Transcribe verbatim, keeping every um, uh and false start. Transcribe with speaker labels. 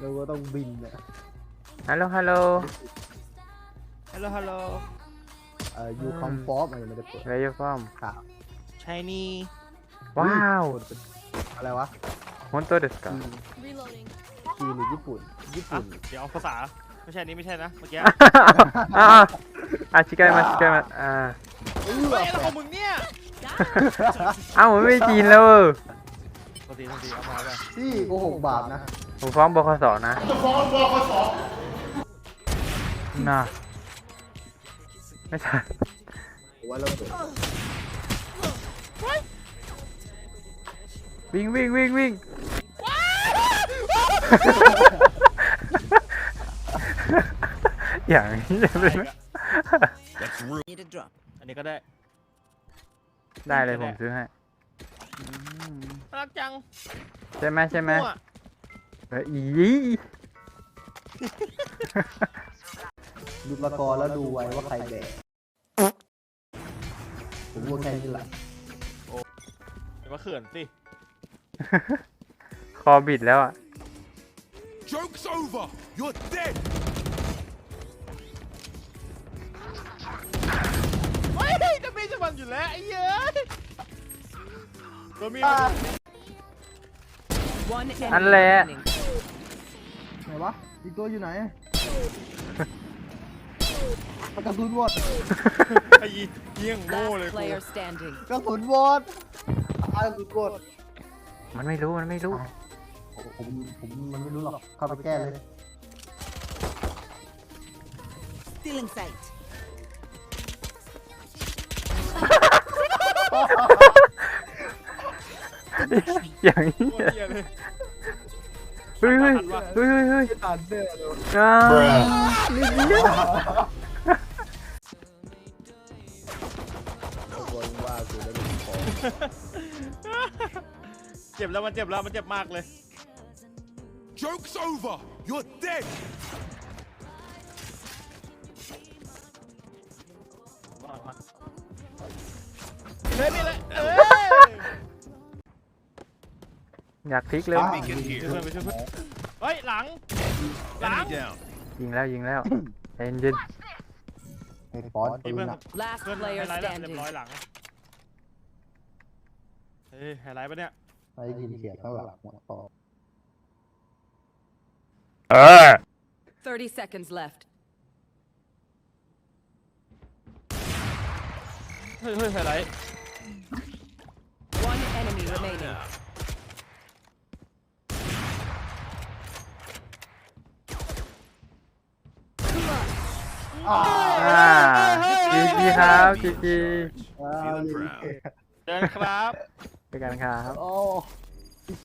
Speaker 1: เราก็ต้องบินอะ
Speaker 2: ฮัลโหลฮัลโหล
Speaker 3: ฮัลโหลฮัลโหล
Speaker 1: เอ่อยูคอมฟอร์มอะไรไม่ได้เปิด
Speaker 2: เวย์ฟอร์ม
Speaker 1: ข่าว
Speaker 3: ชายนี่
Speaker 2: ว้าว
Speaker 1: อะไรวะ
Speaker 2: ฮอนโตเดสกา
Speaker 4: Reloading.
Speaker 1: จีนหรือญี่ปุ่นญี่
Speaker 3: อ่ะ
Speaker 1: ปุ่น
Speaker 3: เดี๋ยวภาษาไม่ใช่นี้ไม่ใช่นะเมื่อกี้
Speaker 2: อ่าอ่ะชิคกี้มาชิคกี้มาอ่า
Speaker 1: เออ
Speaker 3: เฮ้ยอะไรของมึงเนี่ย
Speaker 2: เอ้ามันไม่จีนแล้วเออ
Speaker 3: โทษทีโทษทีเอามาไป
Speaker 1: ที่โกหกบาปนะ
Speaker 2: ผมฟ้องบคสนะน่ะไม่ใช่
Speaker 1: ผมว่าเราเปิด
Speaker 2: วิ่งวิ่งวิ่งวิ่งอย่างนี้เลยไหม
Speaker 5: Need a drop.
Speaker 3: อันนี้ก็ได้
Speaker 2: ได้เลยผมซื้อให้
Speaker 3: น่ารักจัง
Speaker 2: ใช่ไหมใช่ไหม
Speaker 3: มั่ว
Speaker 2: เอออี
Speaker 1: ดูละครแล้วดูไว้ว่าใครแบกผมว่าแค่นี้แหละ
Speaker 3: เดี๋ยวมาเขื่อนสิ
Speaker 2: คอบิดแล้วอ่ะ
Speaker 6: Joke's over! You're dead!
Speaker 3: เฮ้ยจะมีจะมันอยู่แล้วไอ้เย้ยตัวมี
Speaker 5: One enemy
Speaker 2: อันแหละ
Speaker 5: remaining.
Speaker 1: ไหนวะอีกตัวอยู่ไหนกระสุนหมด
Speaker 3: ไอ้เยี่ยงโง่เลย
Speaker 5: Last
Speaker 3: กู
Speaker 5: player standing.
Speaker 1: กระสุนหมดตายกระสุนหมด
Speaker 2: มันไม่รู้มันไม่รู้
Speaker 1: ผมผมมันไม่รู้หรอกเข้าไปแก้เลย
Speaker 5: Still in sight.
Speaker 2: อย่างนี้
Speaker 3: โคตรเหี้ยเลย
Speaker 2: เฮ้ยเฮ้ยเฮ้ยเฮ้ยเฮ้ย
Speaker 1: ตันเด้อเลย
Speaker 2: อ้าวนิดเดียว
Speaker 1: คนว่ากูได้เป็นของ
Speaker 3: เจ็บแล้วมันเจ็บแล้วมันเจ็บมากเลย
Speaker 6: Joke's over! You're dead!
Speaker 3: เลยนี่เลยเอ้ย
Speaker 2: อยากพลิกเลย
Speaker 6: Beacon
Speaker 3: ช่วย
Speaker 6: here.
Speaker 3: เพื่อนไปช่วยเพื่อนเฮ้ยหลังหลัง
Speaker 6: Enemy down.
Speaker 2: ยิงแล้วยิงแล้วใจเย็น
Speaker 1: ไอ้ฟอน
Speaker 3: ไอ้
Speaker 1: ปื
Speaker 3: เพื่อน
Speaker 1: นอะ
Speaker 5: Last
Speaker 3: เพื่อนไฮ
Speaker 5: player
Speaker 3: ไลท์แล้วเรีย
Speaker 5: standing.
Speaker 3: บร้อยหลังเฮ้ยไฮไลท์ปะเนี่ย
Speaker 1: ไอ้ยินเสียงข้างหลังหัวคอ
Speaker 2: เออ
Speaker 5: Thirty seconds left.
Speaker 3: เฮ้ยเฮ้ยไฮไลท์
Speaker 5: One enemy remaining.
Speaker 1: อ้าว
Speaker 2: อ่าจีจีครับจีจี
Speaker 1: อ้าว
Speaker 6: Feeling proud.
Speaker 3: เดินครับ
Speaker 2: ไปกันครับ
Speaker 1: โอ้